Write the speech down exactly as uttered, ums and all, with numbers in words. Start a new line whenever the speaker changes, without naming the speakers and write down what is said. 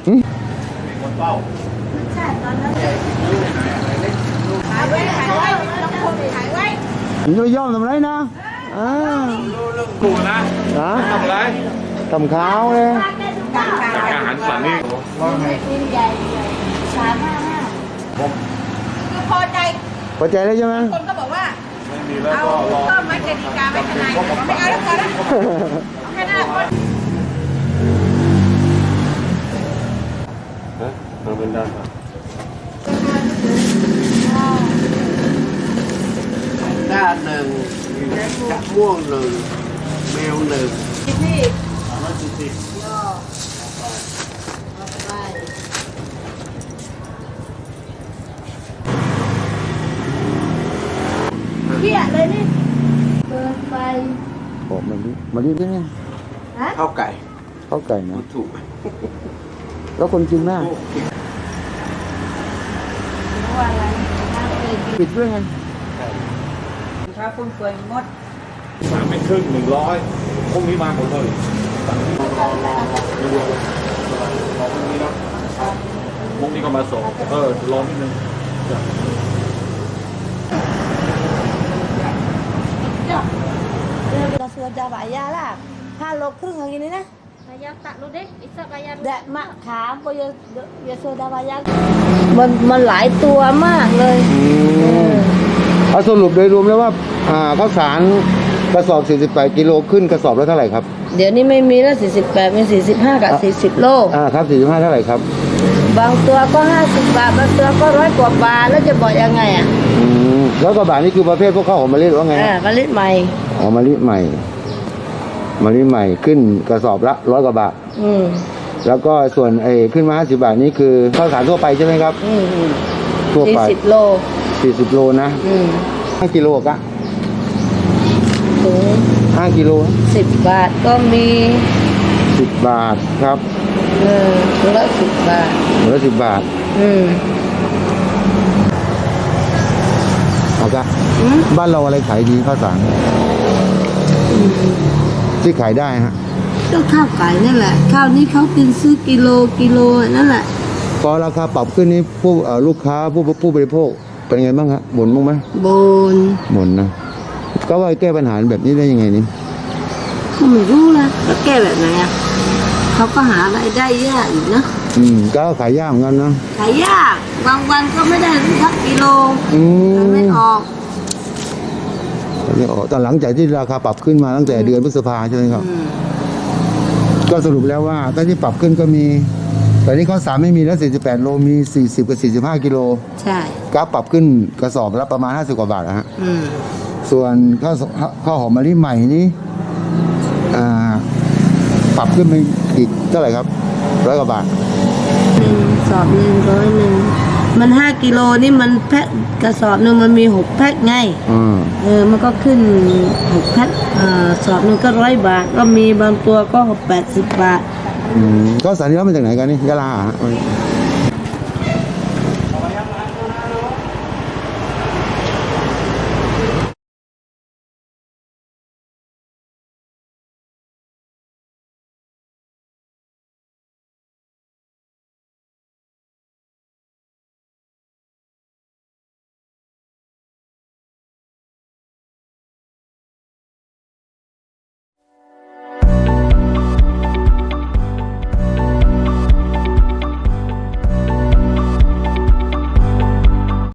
คนเป้าใช่ตอนนั้นขายไว้ขายไว้ต้องคงขายไว้
ผมจะไปย่อมทำไรนะอ่า
กูนะทำไร
ทำข้าวเลย
อาหารสันนี่
ว่าไงใหญ่สามห้าห้าคือพอใจ
พอใจแล้วใช่ไหม
คนก็บอกว่าเอาต้มไม้เจดีกาไม่ทนายไม่เอาแล้วพอแล้วแค่นั้นคน
ฮะเอาเป็นด้าน
ด้านหนึ่งกระม่วงหนึ่งแมวหนึ่ง
พี่
สามร้อยสี่สิบ
เที่ยเลยนี่เดินไป
โอ้มันดิมันดิเนี่ย
ข้าวไก่
ข้าวไก่นะ
ถูก
แล้วคนกินมากปิดด้วยไง
ถ้าคุณเฟืองมด
สามเมตรครึ่งหนึ่งร้อยพรุ่งนี้มาหมดเลยรอพรุ่งนี้นะพรุ่งนี้ก็มาส่งเออรอนิดนึง
เราsudah bayar lah halo kering lagi ni nah
bayar tak lu deh bisa bayar
แดะมะขามก็ยังยังโซดาบายักมันมันหลายตัวมากเลย
เอาสรุปโดยรวมแล้วว่าอ่าข้าวสารกระสอบสี่สิบแปดกิโลขึ้นกระสอบแล้วเท่าไหร่ครับ
เดี๋ยวนี้ไม่มีแล้วสี่สิบแปดเป็นสี่สิบห้ากับสี่สิบโล
อ่าครับสี่สิบห้าเท่าไหร่ครับ
บางตัวก็ห้าสิบบาทบางตัวก็ร้อยกว่าบาทแล้วจะบอกยังไงอ่ะ
อืมแล้วก็บาทนี่คือประเภทพวกข้าวหอมมะลิหรือว่าไง
อ่ามะลิใหม่
อ๋อมะลิใหม่มะลิใหม่ขึ้นกระสอบละร้อยกว่าบาท
อืม
แล้วก็ส่วนไอ้ขึ้นมาห้าสิบบาทนี่คือข้าวสารทั่วไปใช่ไหมครับ
อืม
ทั่วไป
สี่สิบโล
สี่สิบโลนะ
อืม
ห้ากิโลกะ
ถุง
ห้ากิโล
สิบบาทก็มี
สิบบาทครับ
เออถุงละสิบบาท
ถุงละสิบบาท
อืม
เอากะบ้านเราอะไรขายดีข้าวสารที่ขายได้ฮะ
ก็ข้าวไก่นั่นแหละข้าวนี้เขากินซื้อกิโลกิโลนั่นแหละ
พอราคาปรับขึ้นนี้ผู้ลูกค้าผู้ผู้บริโภคเป็นไงบ้างฮะบ่นบ้างไหม
บ่น
บ่นนะก็ว่าแก้ปัญหาแบบนี้ได้ยังไงนี่
ก็ไม่รู้ละแล้วแก้แบบไหนอ่ะเขาก็หารายได้ยากอีกนะ
อืมก็ขายยากเหมือนกันนะ
ขายยากบางวันก็ไม่ได้สักกิโล
อืม
ไม่ออก
ไม่ออกแต่หลังจากที่ราคาปรับขึ้นมาตั้งแต่เดือนพฤษภาใช่ไหมครับก็สรุปแล้วว่าตอนที่ปรับขึ้นก็มีตอนนี้ข้าวสารไม่มีแล้วสี่สิบแปดโลมีสี่สิบกับสี่สิบห้ากิโล
ใช่
กราฟปรับขึ้นกระสอบละประมาณห้าสิบกว่าบาทนะฮะส่วนข้าวข้าวหอมมะลิใหม่นี้อ่าปรับขึ้นไปอีกเท่าไหร่ครับร้อยกว่าบาท
หนึ่งสอบหนึ่งร้อยหนึ่งมันห้ากิโลนี่มันแพ็คกระสอบหนึ่งมันมีหกแพ็คไงเออมันก็ขึ้นหกแพ็คอ่าสอบหนึ่งก็ร้อยบาทก็มีบางตัวก็แปดสิบบาท
อืมข้าวสารนี่เรามาจากไหนกันนี่ยะลา